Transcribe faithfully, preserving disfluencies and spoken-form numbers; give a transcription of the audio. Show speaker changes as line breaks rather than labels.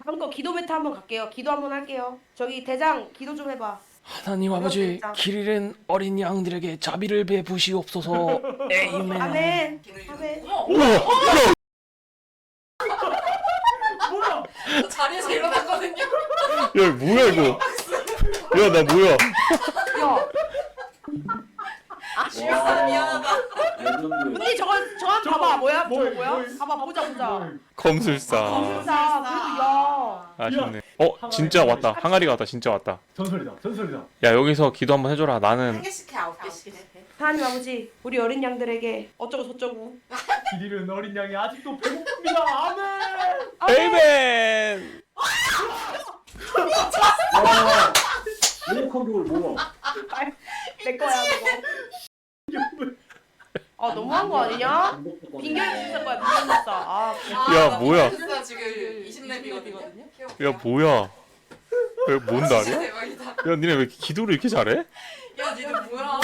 다음 거 기도 메타 한번 갈게요. 기도 한번 할게요. 저기 대장 기도 좀 해봐.
하나님 아버지, 길 잃은 어린 양들에게 자비를 베푸시옵소서. 에이멘.
아멘. 아멘.
우와!
저 자리에서 일어났거든요.
야, 뭐야 이거? 야, 나 뭐야?
야,
미안하다 미안하다.
레전드.
언니 저거 저거 한번 봐봐. 뭐야? 저거
뭘,
뭐야?
뭘.
봐봐 보자 보자.
검술사.
진짜 그래도 야.
아쉽네. 어, 진짜 왔다. 항아리가 왔다. 진짜 왔다.
전설이다. 전설이다.
야, 여기서 기도 한번 해줘라.
한
나는
개씩 해 아홉 개씩 해.
하나님 아버지, 우리 어린 양들에게 어쩌고 저쩌고.
길 잃은 어린 양이 아직도 배고픕니다. 아멘.
에이멘.
와. 레이컨 볼 뭐야?
내 거야 그거. 아 너무한 거 아니냐? 빙결 비싼 거야 빙결 비싸. 아
야, 뭐야?
진짜 지금 이십 렙이거든요.
야, 뭐야? 왜 뭔 날이야?
대박이다.
야, 니네 왜 이렇게 기도를 이렇게 잘해?
야 니네 뭐야?